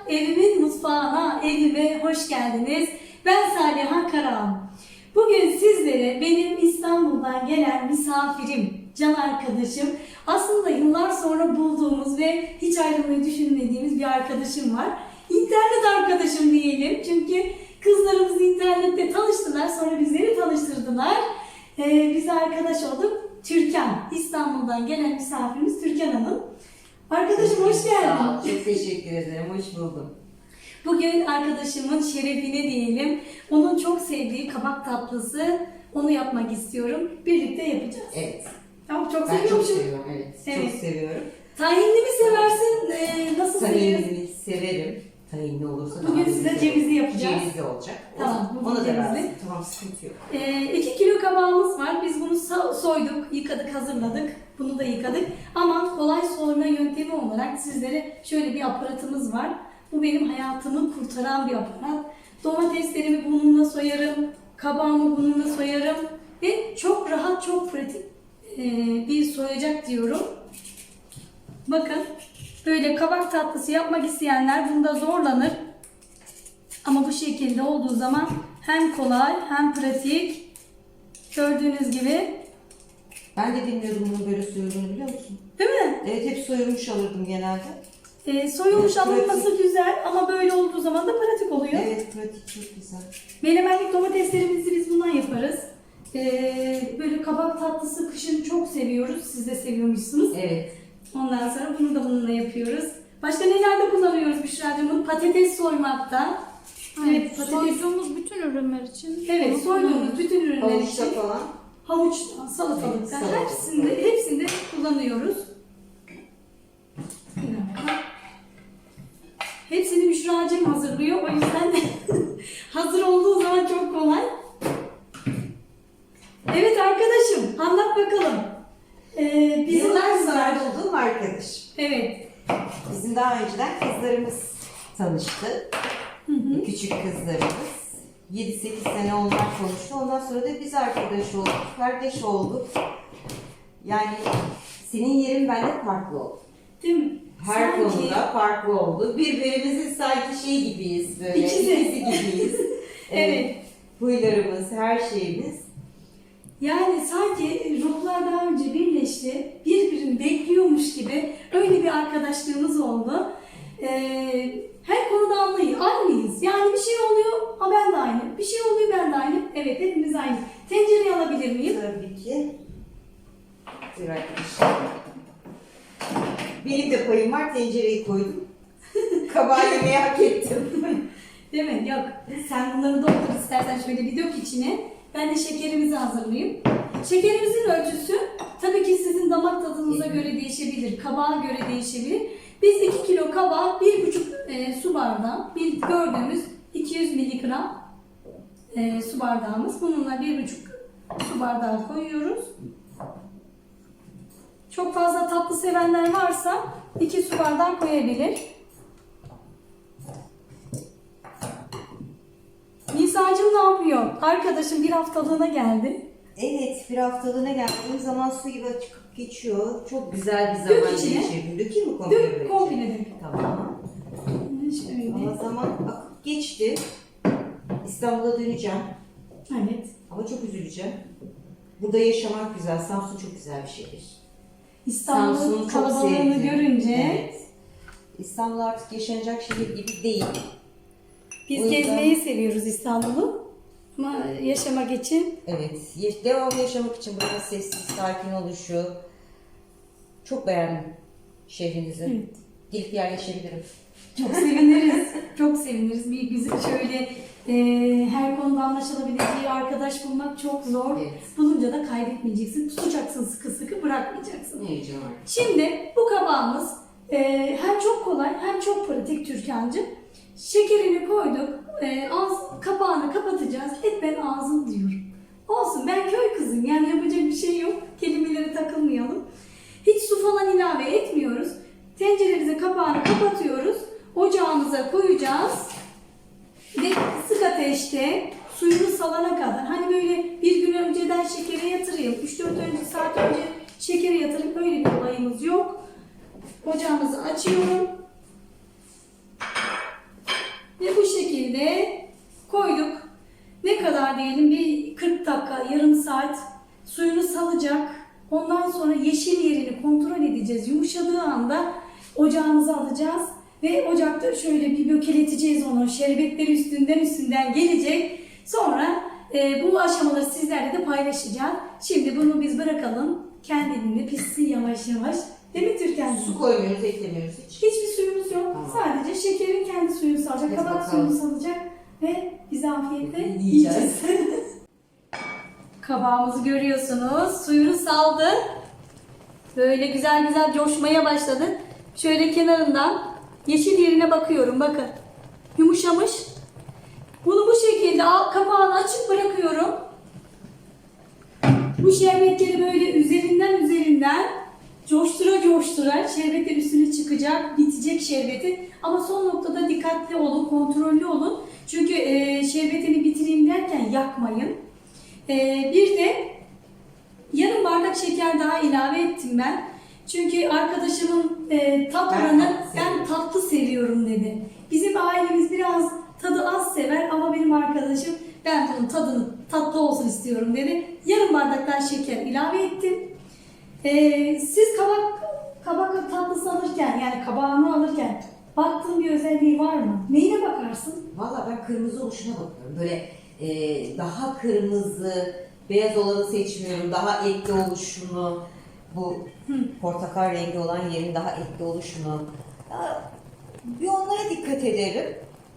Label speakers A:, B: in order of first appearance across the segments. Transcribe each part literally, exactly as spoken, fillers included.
A: evimin mutfağına, evime hoş geldiniz. Ben Saliha Karahan. Bugün sizlere benim İstanbul'dan gelen misafirim, can arkadaşım, aslında yıllar sonra bulduğumuz ve hiç ayrılmayı düşünmediğimiz bir arkadaşım var. İnternet arkadaşım diyelim, çünkü kızlarımız internette tanıştılar, sonra bizleri tanıştırdılar. Ee, biz arkadaş olduk. Türkan, İstanbul'dan gelen misafirimiz Türkan Hanım. Arkadaşım hoş geldin.
B: Sağ ol, çok teşekkür ederim, hoş buldum.
A: Bugün arkadaşımın şerefine diyelim, onun çok sevdiği kabak tatlısı, onu yapmak istiyorum. Birlikte yapacağız.
B: Evet.
A: Tamam, çok
B: Ben çok
A: seviyormuşum.
B: seviyorum, evet.
A: Evet.
B: Çok seviyorum.
A: Tahinli mi seversin, ee, nasıl seviyorsun?
B: Tahinli severim. Tahinli olursa
A: Bugün
B: daha
A: size
B: güzel.
A: cevizli yapacağız.
B: Cevizli olacak.
A: Tamam, bugün
B: Ona da
A: cevizli.
B: versin. Tamam, sıkıntı yok.
A: Ee, iki kilo kabağımız var. Biz bunu so- soyduk, yıkadık, hazırladık. Bunu da yıkadık. Ama kolay soyma yöntemi olarak sizlere şöyle bir aparatımız var. Bu benim hayatımı kurtaran bir aparat. Domateslerimi bununla soyarım, kabağımı bununla soyarım ve çok rahat, çok pratik ee, bir soyacak diyorum. Bakın, böyle kabak tatlısı yapmak isteyenler bunda zorlanır. Ama bu şekilde olduğu zaman hem kolay hem pratik. Gördüğünüz gibi.
B: Ben de bilmiyordum bunun böyle soyulduğunu, biliyor musun?
A: Değil mi?
B: Evet, hep soyulmuş alırdım genelde.
A: Ee, soyulmuş
B: Evet,
A: alınması
B: pratik.
A: güzel ama böyle olduğu zaman da pratik oluyor.
B: Evet, pratik, çok güzel.
A: Menemenlik domateslerimizi biz bundan yaparız. Ee, böyle kabak tatlısı kışın çok seviyoruz. Siz de seviyormuşsunuz.
B: Evet.
A: Ondan sonra bunu da bununla yapıyoruz. Başka nelerde kullanıyoruz Büşra'cığım bunu? Patates soymakta.
C: Evet, soyduğumuz bütün ürünler için.
A: Evet,
C: bunu
A: soyduğumuz
C: kullanıyoruz.
A: bütün ürünler
B: Havuçta
A: için.
B: falan.
A: Havuçtan, salatalıktan,
B: Evet,
A: hepsinde, hepsinde kullanıyoruz. Bir dakika. Hepsini Büşra'cığım hazırlıyor. O yüzden hazır olduğu zaman çok kolay. Evet arkadaşım, anlat bakalım. Ee, bizim
B: Yıllar
A: kızlar-
B: sonra olduğum arkadaşım.
A: Evet.
B: Bizim daha önceden kızlarımız tanıştı.
A: Hı hı.
B: Küçük kızlarımız. yedi sekiz sene onlar konuştu. Ondan sonra da biz arkadaş olduk, kardeş olduk. Yani senin yerin bende farklı oldu.
A: Değil mi?
B: Her
A: Sanki-
B: konuda farklı oldu. Birbirimizin sanki şey gibiyiz böyle.
A: İkizi.
B: İkisi gibiyiz.
A: Evet.
B: Huylarımız, her şeyimiz.
A: Yani sanki ruhlar daha önce birleşti, birbirini bekliyormuş gibi öyle bir arkadaşlığımız oldu. Ee, her konuda anlayı, aynıyız. Yani bir şey oluyor, ha ben de aynı. Bir şey oluyor, ben de aynı. Evet, hepimiz aynı. Tencereyi alabilir miyim?
B: Tabii ki. Bir arkadaşlar. Benim de payım var, tencereyi koydum. Kabağı yemeği hak ettim.
A: Değil mi? Yok. Sen bunları doldur istersen şöyle bir dök içine. Ben de şekerimizi hazırlayayım. Şekerimizin ölçüsü tabii ki sizin damak tadınıza göre değişebilir, kabağa göre değişebilir. Biz iki kilo kabağa bir buçuk e, su bardağı, bir gördüğümüz iki yüz miligram e, su bardağımız. Bununla bir buçuk su bardağı koyuyoruz. Çok fazla tatlı sevenler varsa iki su bardağı koyabilir. Nisa'cığım ne yapıyor? Arkadaşım bir haftalığına geldi.
B: Evet, bir haftalığına geldiğim zaman su gibi çıkıp geçiyor. Çok güzel bir
A: Dök
B: zaman
A: içine.
B: geçirdim. Dökeyim mi komple
A: Dök,
B: böyle?
A: komple dök.
B: Tamam.
A: Şöyle.
B: Ama zaman akıp geçti. İstanbul'a döneceğim.
A: Evet.
B: Ama çok üzüleceğim. Burada yaşamak güzel. Samsun çok güzel bir şehir.
A: İstanbul'un
B: Samsun'u çok
A: kalabalığını
B: sevdim.
A: görünce
B: Evet. İstanbul artık yaşanacak şehir gibi değil.
A: biz
B: O yüzden-
A: gezmeyi seviyoruz İstanbul'u. Ama yaşamak için
B: Evet. ye- Devamlı yaşamak için burada sessiz, sakin oluşu. Çok beğendim şehrinizi.
A: Evet.
B: Gelip yerleşebilirim.
A: çok seviniriz. çok seviniriz. Bir güzel şöyle e, her konuda anlaşılabileceği arkadaş bulmak çok zor.
B: Evet.
A: Bulunca da kaybetmeyeceksin. Tutacaksın sıkı sıkı, bırakmayacaksın.
B: Ne heyecan var.
A: Şimdi bu kabağımız e, hem çok kolay hem çok pratik Türkan'cığım. Şekerini koyduk. E, ağız, kapağını kapatacağız. Hep ben ağzım diyorum. Olsun, ben köy kızıyım. Yani yapacak bir şey yok. Kelimelere takılmayalım. Hiç su falan ilave etmiyoruz. Tenceremize kapağını kapatıyoruz. Ocağımıza koyacağız. Ve kısık ateşte suyunu salana kadar. Hani böyle bir gün önceden şekere yatırayım. üç dört önce, saat önce şekere yatırıp böyle bir olayımız yok. Ocağımızı açıyorum. saat suyunu salacak. Ondan sonra yeşil yerini kontrol edeceğiz. Yumuşadığı anda ocağımıza alacağız. Ve ocakta şöyle bir bökeleteceğiz onu. Şerbetleri üstünden üstünden gelecek. Sonra e, bu aşamaları sizlerle de paylaşacağım. Şimdi bunu biz bırakalım. Kendiliğinde pişsin yavaş yavaş. Değil mi Türkan?
B: Su koymuyoruz, eklemiyoruz hiç.
A: Hiçbir suyumuz yok.
B: Tamam.
A: Sadece şekerin kendi suyunu salacak.
B: Hadi
A: Kabak
B: bakalım.
A: suyunu salacak. Ve biz afiyetle
B: Yiyeceğiz.
A: yiyeceğiz. Kabağımızı görüyorsunuz. Suyunu saldı. Böyle güzel güzel coşmaya başladı. Şöyle kenarından yeşil yerine bakıyorum. Bakın. Yumuşamış. Bunu bu şekilde al- kapağını açık bırakıyorum. Bu şerbetleri böyle üzerinden üzerinden coştura coştura şerbetler üstüne çıkacak, bitecek şerbeti. Ama son noktada dikkatli olun, kontrollü olun. Çünkü e, şerbetini bitireyim derken yakmayın. E, bir de yarım bardak şeker daha ilave ettim ben. Çünkü arkadaşımın e, tat
B: Ben
A: oranı
B: tatlı
A: ben
B: seviyorum."
A: tatlı seviyorum dedi. Bizim ailemiz biraz tadı az sever ama benim arkadaşım ben bunun tadını tatlı olsun istiyorum dedi. Yarım bardaktan şeker ilave ettim. Ee, siz kabak kabak tatlısı alırken yani kabağını alırken baktığın bir özelliği var mı? Neyine bakarsın?
B: Valla ben kırmızı oluşuna bakıyorum. Böyle e, daha kırmızı, beyaz olanı seçmiyorum. Daha etli oluşunu, bu portakal rengi olan yerin daha etli oluşunu. Ya, bir onlara dikkat ederim.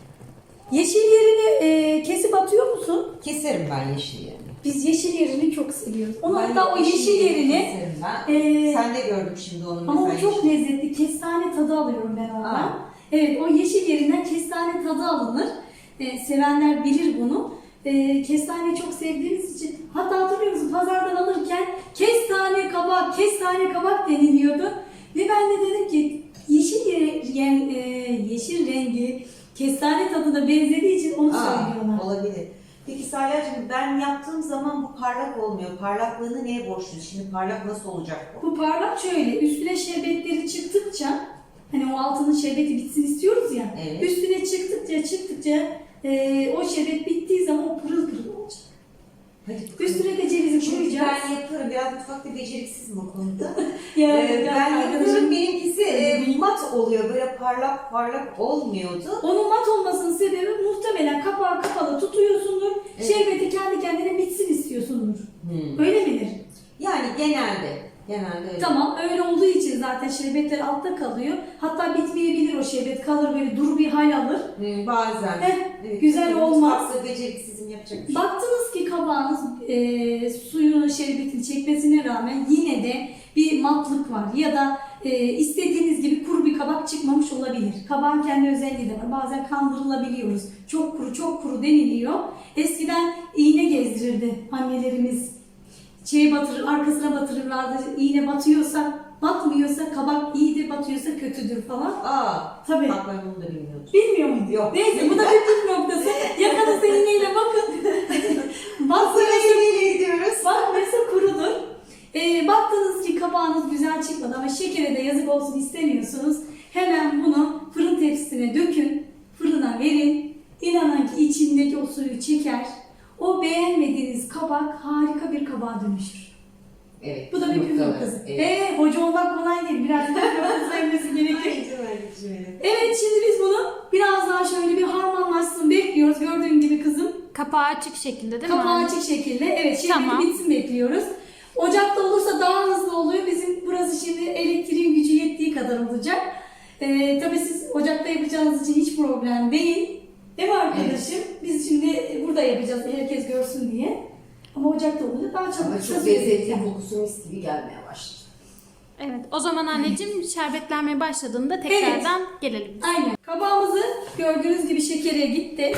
A: Yeşil yerini e, kesip atıyor musun?
B: Keserim ben yeşil yerini.
A: Biz yeşil yerini çok seviyoruz. Onu
B: Ben
A: hatta o yeşil yerini
B: keserim ben.
A: e,
B: Sen de gördüm şimdi onu.
A: ama o
B: mesela
A: çok
B: yeşil.
A: lezzetli. Kestane tadı alıyorum ben ondan.
B: Aa.
A: Evet, o yeşil yerinden kestane tadı alınır. Ee, sevenler bilir bunu. Ee, kestaneyi çok sevdiğimiz için, hatta hatırlıyor musun pazardan alırken kestane kabak, kestane kabak deniliyordu. Ve ben de dedim ki yeşil ye- yen- e, yeşil rengi kestane tadına benzediği için onu
B: Aa,
A: söylüyorlar.
B: olabilir. Peki Salya'cığım ben yaptığım zaman bu parlak olmuyor. Parlaklığını neye borçluyuz? Şimdi parlak nasıl olacak bu?
A: Bu parlak şöyle, üstüne şerbetleri çıktıkça, hani o altının şerbeti bitsin istiyoruz ya,
B: Evet.
A: üstüne çıktıkça çıktıkça e, o şerbet bittiği zaman o pırıl pırıl olacak.
B: Hadi.
A: Üstüne de cevizi
B: Çünkü
A: koyacağız.
B: ben yaparım. Biraz mutfakta beceriksizim o konuda.
A: Ya,
B: Ee,
A: ya,
B: ben
A: arkadaşım,
B: yaparım. Benimkisi e, mat oluyor. Böyle parlak parlak olmuyordu.
A: onun mat olmasının sebebi muhtemelen kapağı kapalı tutuyorsundur,
B: Evet.
A: şerbeti kendi kendine bitsin istiyorsundur.
B: Hmm.
A: Öyle midir?
B: Yani genelde. Genelde öyle.
A: Tamam, öyle olduğu için zaten şerbetler altta kalıyor. Hatta bitmeyebilir o şerbet, kalır böyle duru bir hal alır.
B: Hmm, bazen.
A: Heh, güzel
B: tabii
A: olmaz.
B: Mutfakta beceriksizim yapacak bir şey.
A: Baktınız ki kabağınız e, suyunu, şerbetini çekmesine rağmen yine de bir matlık var ya da e, istediğiniz gibi kuru bir kabak çıkmamış olabilir. Kabağın kendi özelliği de var. Bazen kandırılabiliyoruz. Çok kuru, çok kuru deniliyor. Eskiden iğne gezdirirdi annelerimiz. Şey batırır, arkasına batırırlardı. İğne batıyorsa, batmıyorsa kabak iyidir, batıyorsa kötüdür falan.
B: Aa,
A: Tabii.
B: bak ben bunu da bilmiyordum.
A: Bilmiyor muydun?
B: Yok.
A: Neyse bu da bir püf noktası. Yakanızda iğneyle bakın. Batmıyorsa,
B: Nereye gidiyoruz?
A: batmıyorsa kurudur. Ee, baktınız ki kabağınız güzel çıkmadı ama şekere de yazık olsun istemiyorsunuz. Hemen bunu fırın tepsisine dökün. Fırına verin. İnanın ki içindeki o suyu çeker. O beğenmediğiniz kabak harika bir kabağa dönüşür.
B: Evet.
A: Bu da bir püf
B: noktalar.
A: noktası.
B: Evet.
A: Ee, hoca olmak kolay değil. Biraz püf noktası vermesi gerekiyor.
B: Evet.
A: Evet, şimdi biz bunu biraz daha şöyle bir harmanlaşsın bekliyoruz. Gördüğün gibi kızım.
C: Kapağı açık şekilde değil mi?
A: Kapağı
C: anne?
A: açık şekilde. Evet, şerbeti
C: Tamam.
A: bitsin bekliyoruz. Ocakta olursa daha hızlı oluyor. Bizim burası şimdi elektriğin gücü yettiği kadar olacak. Ee, tabii siz ocakta yapacağınız için hiç problem değil. Değil mi arkadaşım? Biz şimdi burada yapacağız herkes görsün diye. Ama ocakta olunca daha çabuk
B: Ama
A: kısa
B: çok
A: sürede
B: lezzetli,
A: biter.
B: kokusu mis gibi gelmeye başladı.
C: Evet. O zaman anneciğim şerbetlenmeye başladığında tekrardan gelelim. biz.
A: Aynen. Kabağımızı gördüğünüz gibi şekere gitti.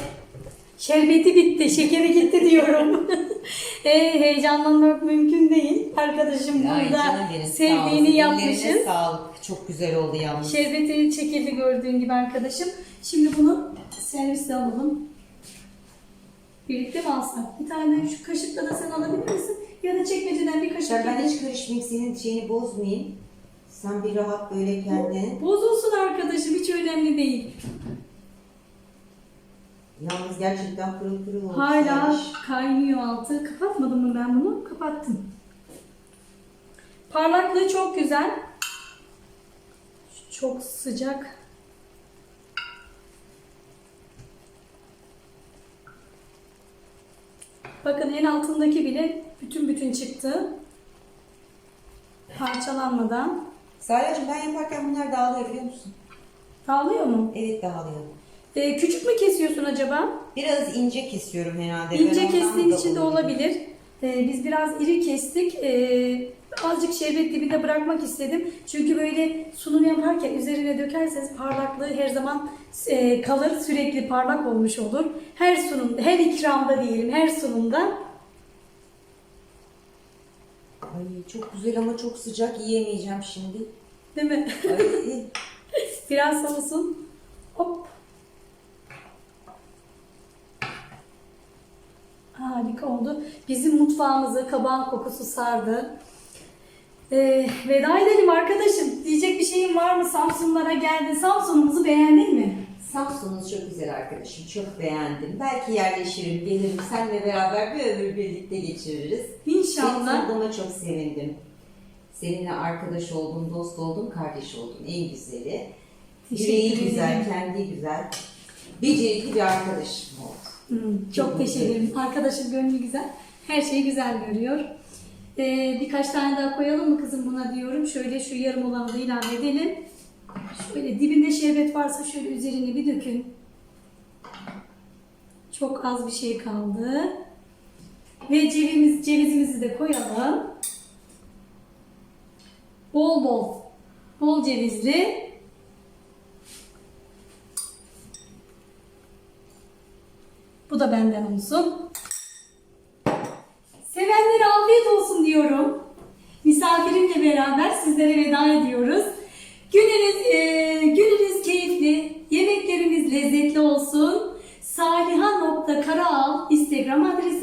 A: Şerbeti bitti, şekeri gitti diyorum. e, heyecanlanmak mümkün değil. Arkadaşım
B: Ay
A: burada
B: canım benim, sağ
A: sevdiğini
B: olsun.
A: yapmışız.
B: Ellerine sağlık. Çok güzel oldu yalnız.
A: Şerbeti çekildi gördüğün gibi arkadaşım. Şimdi bunu servise alalım. Birlikte mi alsak? Bir tane şu kaşıkla da sen alabilir misin? Ya da çekmeceden bir kaşık.
B: Ben, ben
A: getir.
B: hiç karışmayayım, senin şeyini bozmayayım. Sen bir rahat böyle kendin.
A: Bozulsun arkadaşım, hiç önemli değil.
B: Yalnız gerçekten pırıl pırıl olmuş.
A: Hala
B: Sermiş.
A: kaynıyor altı. Kapatmadım mı ben bunu? Kapattım. Parlaklığı çok güzel. Çok sıcak. Bakın en altındaki bile bütün bütün çıktı. Parçalanmadan.
B: Sarya'cığım ben yaparken bunlar dağılıyor biliyor musun?
A: Dağılıyor mu?
B: Evet dağılıyor.
A: Ee, küçük mü kesiyorsun acaba?
B: Biraz ince kesiyorum herhalde.
A: İnce
B: Ben ondan
A: kestiğin
B: da
A: için de olabilir. Ee, biz biraz iri kestik. Ee, azıcık şerbet dibinde bırakmak istedim. Çünkü böyle sunum yaparken üzerine dökerseniz parlaklığı her zaman e, kalır. Sürekli parlak olmuş olur. Her sunumda, her ikramda diyelim, her sunumda.
B: Ay çok güzel ama çok sıcak, yiyemeyeceğim şimdi.
A: Değil mi?
B: Ay.
A: Biraz soğusun. Hop. Harika oldu. Bizim mutfağımızı kabağın kokusu sardı. Ee, veda edelim arkadaşım. Diyecek bir şeyin var mı? Samsunlara geldin. Samsun'umuzu beğendin mi?
B: Samsun'unuz çok güzel arkadaşım. Çok beğendim. Belki yerleşirim, gelirim. Seninle beraber bir ömür birlikte geçiririz.
A: İnşallah.
B: Seni tanıdığıma çok sevindim. Seninle arkadaş oldum, dost oldum, kardeş oldum. En güzeli.
A: Teşekkür
B: Yüreği
A: ederim.
B: güzel, kendi güzel. Becerikli bir arkadaşım oldu.
A: Hmm, çok teşekkür ederim. Arkadaşım gönlü güzel. Her şeyi güzel görüyor. Ee, birkaç tane daha koyalım mı kızım buna diyorum. Şöyle şu yarım olanı da ilave edelim. Şöyle dibinde şerbet varsa şöyle üzerine bir dökün. Çok az bir şey kaldı. Ve cevizimiz, cevizimizi de koyalım. Bol bol. Bol cevizli. Bu da benden olsun. Sevenlere afiyet olsun diyorum. Misafirimle beraber sizlere veda ediyoruz. Gününüz, e, gününüz keyifli, yemekleriniz lezzetli olsun. saliha nokta karaal Instagram adresi.